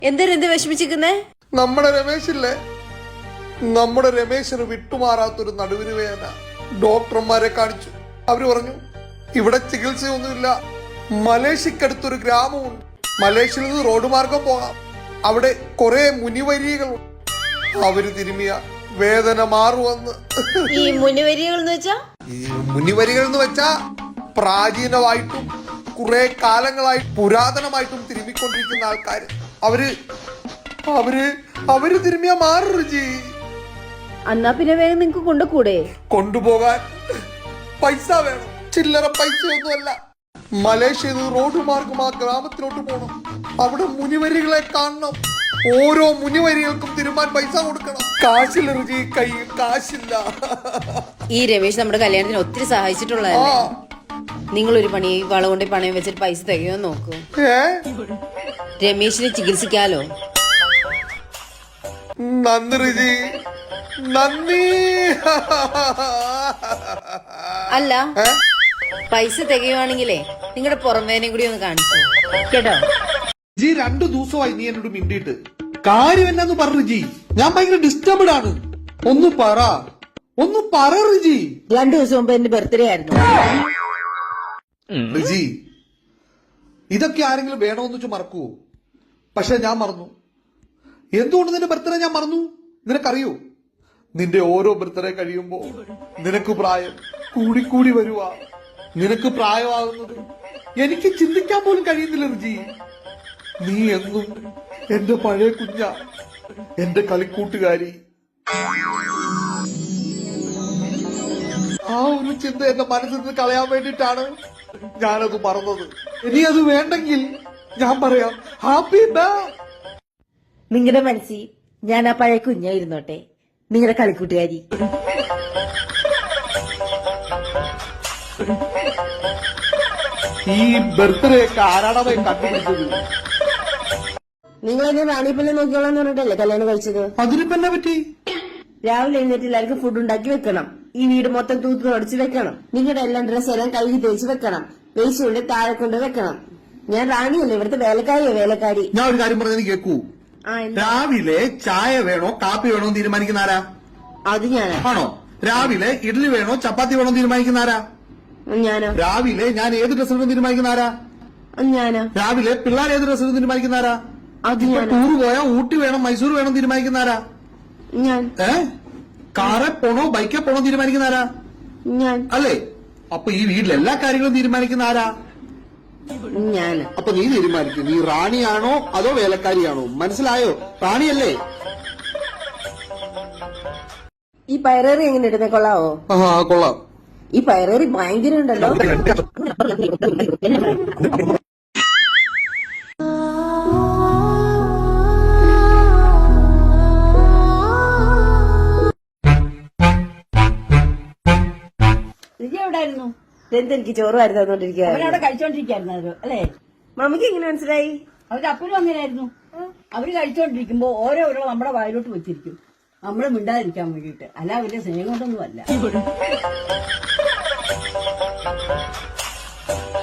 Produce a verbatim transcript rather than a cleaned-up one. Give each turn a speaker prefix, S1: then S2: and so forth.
S1: എന്തൊരു എന്ത് വിഷമിച്ചിരിക്കുന്നേ?
S2: നമ്മുടെ രമേശില്ലേ, നമ്മുടെ രമേശിന് വിട്ടുമാറാത്തൊരു നടുവിന് വേദന. ഡോക്ടർമാരെ കാണിച്ചു. അവര് പറഞ്ഞു ഇവിടെ ചികിത്സയൊന്നുമില്ല. മലേഷ്യക്കടുത്തൊരു ഗ്രാമമുണ്ട്. മലേഷ്യയിൽ നിന്ന് റോഡ് മാർഗം പോകാം. അവിടെ കുറെ മുനിവരികളുണ്ട്. അവര് തിരുമിയ വേദന മാറുവന്ന്.
S1: ഈ മുനിവരികൾ എന്ന് വെച്ചാ
S2: ഈ മുനിവരികൾ എന്ന് വെച്ചാ പ്രാചീനമായിട്ടും കുറെ കാലങ്ങളായി പുരാതനമായിട്ടും തിരുമിക്കൊണ്ടിരിക്കുന്ന ആൾക്കാര്. അവര് അവര് അവര് തിരുമിയ മാറുജി.
S1: എന്നാ പിന്നെ വേഗം നിങ്ങക്ക് കൊണ്ടുകൂടെ?
S2: കൊണ്ടുപോകാൻ പൈസ വേണം. ചില്ലറ പൈസയൊന്നുമല്ല. മലേഷ്യയിൽ റോഡ് മാർഗം ആ ഗ്രാമത്തിലോട്ട് പോകണം. അവിടെ മുനിവരികളെ കാണണം. ഓരോ മുനിവരികൾക്കും തിരുമാൻ പൈസ കൊടുക്കണം. കാശില്ല രുചി, കയ്യിൽ കാശില്ല.
S1: ഈ രമേശ് നമ്മുടെ കല്യാണത്തിന് ഒത്തിരി സഹായിച്ചിട്ടുള്ളതല്ലേ? നിങ്ങളൊരു പണി വള കൊണ്ട് പണയം വെച്ചിട്ട് പൈസ തികയോ നോക്കൂ. രമേശിനെ ചികിത്സിക്കാലോ.
S2: നന്ദി രുചി, നന്ദി.
S1: അല്ല, പൈസ തികയുവാണെങ്കിലേ നിങ്ങളുടെ പുറംവേദനയും കൂടി ഒന്ന് കാണിച്ചു കേട്ടോ.
S2: ജി രണ്ടു ദിവസമായി നീ എന്നോട് മിണ്ടിയിട്ട് കാര്യം എന്നാന്ന് പറഞ്ഞു ജി. ഞാൻ ഭയങ്കര ഡിസ്റ്റർബ്ഡ് ആണ്. ഒന്ന് പറ, ഒന്ന് പറ റിജി.
S1: രണ്ടു ദിവസം മുമ്പ് എന്റെ ബർത്ത്ഡേ ആയിരുന്നു
S2: റിജി. ഇതൊക്കെ ആരെങ്കിലും വേണമെന്ന് വെച്ച് മറക്കുവോ? പക്ഷെ ഞാൻ മറന്നു. എന്തുകൊണ്ട് നിന്റെ ബർത്ത്ഡേ ഞാൻ മറന്നു? നിനക്കറിയോ? നിന്റെ ഓരോ ബർത്ത്ഡേ കഴിയുമ്പോ നിനക്ക് പ്രായം കൂടിക്കൂടി വരുവാ. നിനക്ക് പ്രായമാകുന്നത് എനിക്ക് ചിന്തിക്കാൻ പോലും കഴിയുന്നില്ല റിജി. നീ എന്നും എന്റെ പഴയ കുഞ്ഞ, എന്റെ കളിക്കൂട്ടുകാരി. ആ ഒരു ചിന്ത എന്റെ മനസ്സിൽ നിന്ന് കളയാൻ വേണ്ടിയിട്ടാണ് ഞാനത് മറന്നത്. ഇനി അത് വേണ്ടെങ്കിൽ ഞാൻ പറയാം ഹാപ്പി ബേ.
S3: നിങ്ങളുടെ മനസ്സിൽ ഞാൻ ആ പഴയ കുഞ്ഞായിരുന്നോട്ടെ, നിങ്ങളുടെ കളിക്കൂട്ടുകാരി.
S2: ഈ ബർത്ത്ഡേ ഒക്കെ ആരാടവേ കണ്ടുപിടിച്ചത്?
S3: നിങ്ങൾ എന്നെ റാണിപ്പന്നെ നോക്കിയോളാന്ന് പറഞ്ഞിട്ടല്ലേ കല്യാണം കഴിച്ചത്?
S2: അതിനിപ്പോ എന്നാ പറ്റി?
S3: രാവിലെ എഴുന്നേറ്റ് എല്ലാവർക്കും ഫുഡ് ഉണ്ടാക്കി വെക്കണം. ഈ വീട് മൊത്തം തൂത്ത് തുടച്ച് വെക്കണം. നിങ്ങളുടെ എല്ലാം ഡ്രസ്സ് എല്ലാം കഴുകി തേച്ച് വെക്കണം. വേസ്റ്റ് കൊണ്ട് താഴെ കൊണ്ട് വെക്കണം. ഞാൻ റാണിയല്ലേ, ഇവിടുത്തെ വേലക്കാരിയോ വേലക്കാരി.
S2: ഞാൻ ഒരു കാര്യം പറഞ്ഞത് കേൾക്കൂ. രാവിലെ ചായ വേണോ കാപ്പി വേണോ തീരുമാനിക്കുന്ന ആരാ?
S3: അത് ഞാനാ.
S2: ആണോ? രാവിലെ ഇഡ്ഡലി വേണോ ചപ്പാത്തി വേണോ തീരുമാനിക്കുന്ന ആരാ?
S3: ഞാനോ?
S2: രാവിലെ ഞാൻ ഏത് ഡ്രസ് ഇടണം തീരുമാനിക്കുന്ന ആരാ?
S3: ഞാനോ?
S2: രാവിലെ പിള്ളേർ ഏത് ഡ്രസ് ഇടും തീരുമാനിക്കുന്ന ആരാ?
S3: അത് ഞാൻ.
S2: ടൂർ പോയാ ഊട്ടി വേണം മൈസൂർ വേണം തീരുമാനിക്കുന്ന ആരാ?
S3: ഞാൻ.
S2: ഏ കാറെ പോണോ ബൈക്കെ പോണോ തീരുമാനിക്കുന്ന ആരാ?
S3: ഞാൻ.
S2: അല്ലേ? അപ്പൊ ഈ വീട്ടിലെ എല്ലാ കാര്യങ്ങളും തീരുമാനിക്കുന്ന ആരാ?
S3: ഞാൻ.
S2: അപ്പൊ നീ തീരുമാനിക്കും, നീ റാണിയാണോ അതോ വേലക്കാരിയാണോ? മനസ്സിലായോ? റാണിയല്ലേ?
S3: ഈ പയറേറി എങ്ങനെ ഇടുന്നേ? കൊള്ളാവോ?
S2: ആ കൊള്ളാം.
S3: ഈ പയറേറി ഭയങ്കര ഉണ്ടല്ലോ. എവിടായിരുന്നു? എനിക്ക് ചോറ് വാരി തന്നോണ്ടിരിക്കുക.
S4: അവരവിടെ കഴിച്ചോണ്ടിരിക്കായിരുന്നു അല്ലേ?
S3: മമ്മിക്ക് എങ്ങനെ മനസ്സിലായി?
S4: അവര് അപ്പനും അങ്ങനെയായിരുന്നു. അവര് കഴിച്ചോണ്ടിരിക്കുമ്പോ ഓരോ ഓരോ നമ്മുടെ വായിലോട്ട് വെച്ചിരിക്കും, നമ്മള് മിണ്ടാതിരിക്കാൻ വേണ്ടിയിട്ട്. അല്ല അവരുടെ സ്നേഹം കൊണ്ടൊന്നും അല്ല.